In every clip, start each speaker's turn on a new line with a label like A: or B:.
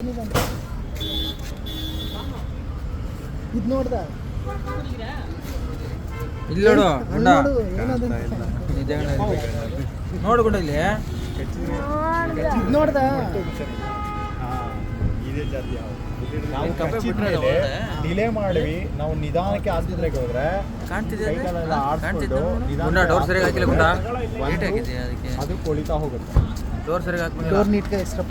A: ಇದು ನೋಡ್ದ
B: ಇಲ್ಲಿ ನೋಡು ಗುಂಡ ನೋಡು ಗುಂಡ ಇಲ್ಲಿ
A: ಇದು ನೋಡ್ದ
C: ಡಿಲೇ ಮಾಡಿವಿ ನಾವು ನಿಧಾನಕ್ಕೆ ಆಸ್ಪತ್ರೆಗೆ ಹೋದ್ರೆ
B: ಡೋರ್ ಸರಿಯಾಗಿ ಹಾಕಿಲ್ಲ ಗುಂಡ ಲೇಟ್ ಆಗಿದೆ ಅದಕ್ಕೆ
C: ಅದು ಕೊಳಿತಾ ಹೋಗುತ್ತೆ.
B: ಡೋರ್ ಸರಿಯಾಗಿ ಹಾಕ್ಬೇಕು.
A: ಡೋರ್ ನೀಟ್ಗೆ ಎಷ್ಟಪ್ಪ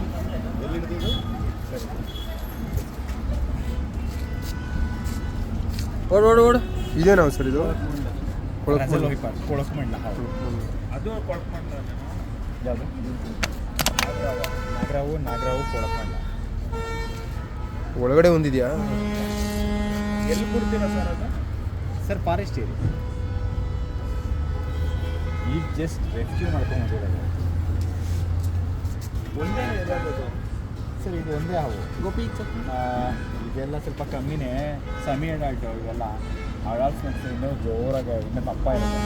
B: ಓಡ್ ಓಡ್ ಓಡ್
D: ಇದೇನಾ ಸರ್ ಇದು
C: ಕೊಳಕಮಂಡ ಅದು ಕೊಳಕಮಂಡ ಯಾವುದು ನಾಗರಾವು ಕೊಳಕಮಂಡ
D: ಒಳಗಡೆ ಒಂದಿದೆಯಾ?
C: ಎಲ್ಲಿ ಕೊಡ್ತೀರಾ ಸರ್ ಅದು? ಸರ್ ಫಾರೆಸ್ಟ್ ಏರಿಯಾ ಈಗ ಜಸ್ಟ್ ರೆಸ್ಕ್ಯೂ ಮಾಡ್ಕೊಂಡ್ಬಂದಿರೋದು. ಒಂದೇ ಸರ್ ಇದು ಒಂದೇ ಹಾವು
B: ಗೋಪಿ
C: ಇದೆಲ್ಲ ಸ್ವಲ್ಪ ಕಮ್ಮಿನೇ ಸೆಮಿ ಅಡಲ್ಟ್ ಇವೆಲ್ಲ ಅಡಲ್ಟ್ಸ್ ಮತ್ತು ಇನ್ನೂ ಜೋರಾಗಿ ಇನ್ನೂ ದಪ್ಪ ಇರುತ್ತೆ.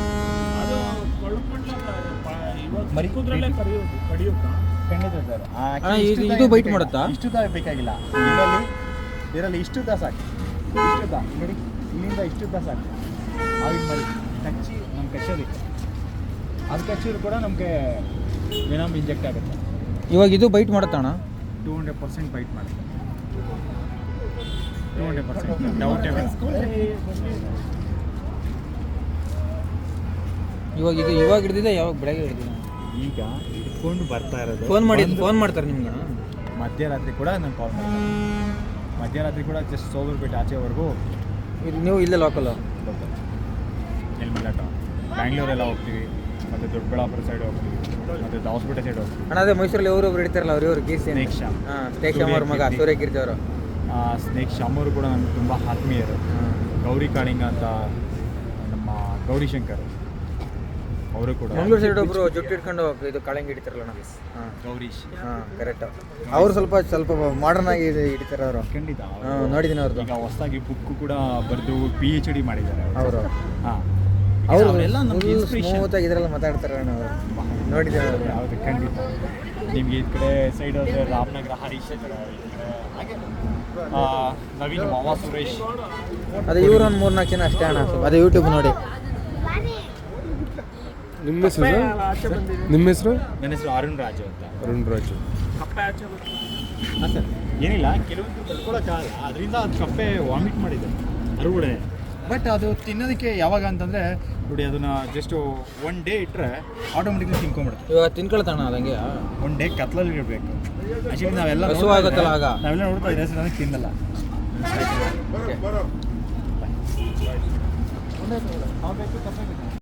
C: ಮರಿ ಖಂಡಿತ ಸರ್.
B: ಇದು ಬೈಟ್ ಮಾಡುತ್ತಾ?
C: ಇಷ್ಟುದ್ದ ಬೇಕಾಗಿಲ್ಲ. ಇದರಲ್ಲಿ ಇಷ್ಟುದ್ದ ಸಾಕು. ಇಷ್ಟುದ್ದ ನೋಡಿ, ಇಲ್ಲಿಂದ ಇಷ್ಟುದ್ದ ಸಾಕು. ಆಗಿನ ಮರಿ ಕಚ್ಚಿ ನಮ್ಗೆ ಕಚ್ಚೋದಿಕ್ಕೆ ಅದು ಕಚ್ಚಿದ್ರು ಕೂಡ ನಮಗೆ ವಿನಾಮ್ ಇಂಜೆಕ್ಟ್ ಆಗುತ್ತೆ.
B: ಇವಾಗ ಇದು ಬೈಟ್ ಮಾಡುತ್ತಣ್ಣ?
C: 200% ಬೈಟ್ ಮಾಡುತ್ತೆ. 200% ಡೌಟೇ ಬೇಡ.
B: ಇವಾಗ ಹಿಡಿದಿದೆ ಯಾವಾಗ ಬೆಳಗ್ಗೆ ಹಿಡಿದಿದೆ?
C: ಈಗ ಹಿಡ್ಕೊಂಡು ಬರ್ತಾ ಇರೋದು.
B: ಫೋನ್ ಮಾಡ್ತಾರೆ ನಿಮ್ಗೆ?
C: ಮಧ್ಯರಾತ್ರಿ ಕೂಡ ನಾನು ಕಾಲ್ ಮಾಡ್ತೀನಿ. ಮಧ್ಯರಾತ್ರಿ ಕೂಡ ಜಸ್ಟ್ ಸೋಗರ್ಬಿಟ್ಟು ಆಚೆವರೆಗೂ
B: ನೀವು ಇಲ್ಲೇ ಲೋಕಲ್
C: ಎಲ್ಮಿಲ್ಲ ಟೌನ್ ಬ್ಯಾಂಗ್ಳೂರೆಲ್ಲ ಹೋಗ್ತೀವಿ, ಮತ್ತು ದೊಡ್ಡಬಳ್ಳಾಪುರ ಸೈಡ್ ಹೋಗ್ತೀವಿ, ಮತ್ತು ದಾವಸ್ಪೇಟೆ ಸೈಡ್ ಹೋಗ್ತೀವಿ.
B: ಅಣ್ಣ ಅದೇ ಮೈಸೂರಲ್ಲಿ ಅವರು ಹಿಡಿತಾರಲ್ಲ ಅವ್ರು ಕೀರ್ತಿ
C: ಸ್ನೇಕ್ ಶ್ಯಾಮ್.
B: ಸ್ನೇಕ್ ಶ್ಯಾಮ್ ಅವ್ರ ಮಗ ಸೂರ್ಯಕೀರ್ತಿ ಅವರು.
C: ಸ್ನೇಕ್ ಶ್ಯಾಮ್ ಅವರು ಕೂಡ ನನಗೆ ತುಂಬ ಆತ್ಮೀಯರು. ಗೌರಿ ಕಾಳಿಂಗ ಅಂತ ನಮ್ಮ ಗೌರಿ ಶಂಕರ್ ಅವರು ಕೂಡ.
B: ಮಂಗಳೂರು ಸೈಡ್ ಒಬ್ಬರು ಜುಟ್ಟು ಹಿಡ್ಕೊಂಡು ಇದು ಕಾಳಂಗಿ ಹಿಡಿತಾರಲ್ಲ ಅಣ್ಣ.
C: ಗೌರೀಶ್.
B: ಕರೆಕ್ಟ್. ಅವರು ಸ್ವಲ್ಪ ಮಾಡರ್ನ್ ಆಗಿ ಹಿಡಿತಾರೆ ಅವರು.
C: ಖಂಡಿತ
B: ನೋಡಿದ್ದೀನಿ ಅವ್ರದ್ದು.
C: ಈಗ ಹೊಸದಾಗಿ ಬುಕ್ಕು ಕೂಡ ಬರೆದು PhD ಮಾಡಿದ್ದಾರೆ ಅವರು. ಹಾಂ,
B: ಅವರು
C: ಎಲ್ಲ ನಮ್ಗೆ ಇನ್ಸ್ಪಿರೇಷನ್.
B: ಸ್ಮೂತ್ ಆಗಿ ಇದರೆಲ್ಲ ಮಾತಾಡ್ತಾರೆ ಅಣ್ಣ ಅವರು. ನೋಡಿದ್ದೇನೆ ಅವರು.
C: ಹೌದು, ಖಂಡಿತ. ನಿಮಗೆ ಈ ಕಡೆ ಸೈಡ್ ಹೋದರೆ ರಾಮನಗರ ಹರೀಶ್ ಇದ್ದಾರೆ, ಹಾಗೆ ನವೀನ್ ಮಾವ ಸುರೇಶ್.
B: ಅದೇ ಇವರು ಒಂದು 3-4 ಜನ ಅಷ್ಟೇ ಅಣ್ಣ. ಅದೇ ಯೂಟ್ಯೂಬ್ ನೋಡಿ.
D: ನಿಮ್ಮ ಹೆಸರು? ನಿಮ್ಮ ಹೆಸರು?
C: ನನ್ನ ಹೆಸರು ಅರುಣ್ ರಾಜು ಅಂತ.
D: ಅರುಣ್ ರಾಜು.
C: ಹಾಂ ಸರ್, ಏನಿಲ್ಲ, ಕೆಲವೊಂದು ತಡ್ಕೊಳಕ್ಕಾಗಲ್ಲ, ಅದರಿಂದ ಅದು ಕಪ್ಪೆ ವಾಮಿಟ್ ಮಾಡಿದೆ ಅರುಗಡೆ. ಬಟ್ ಅದು ತಿನ್ನೋದಕ್ಕೆ ಯಾವಾಗ ಅಂತಂದರೆ ನೋಡಿ, ಅದನ್ನು ಜಸ್ಟ್ 1 ಡೇ ಇಟ್ಟರೆ ಆಟೋಮೆಟಿಕ್ಲಿ ತಿನ್ಕೊಂಬಿಡುತ್ತೆ.
B: ಇವಾಗ ತಿನ್ಕೊಳ್ತಾಣ ಅದಂಗೆ
C: 1 ಡೇ ಕತ್ಲಲ್ಲಿ ಇರಬೇಕು. ಆ್ಯಕ್ಚುಲಿ ನಾವೆಲ್ಲ
B: ಹಸು ಆಗುತ್ತಲ್ಲ ಆಗ.
C: ನಾವೆಲ್ಲ ನೋಡ್ತಾ ಇದ್ದೀವಿ ಸರ್, ನನಗೆ ತಿನ್ನಲ್ಲ.
B: ಓಕೆ.
C: ಹಾವು ಬೇಕು, ಕಪ್ಪೆ ಬೇಕು.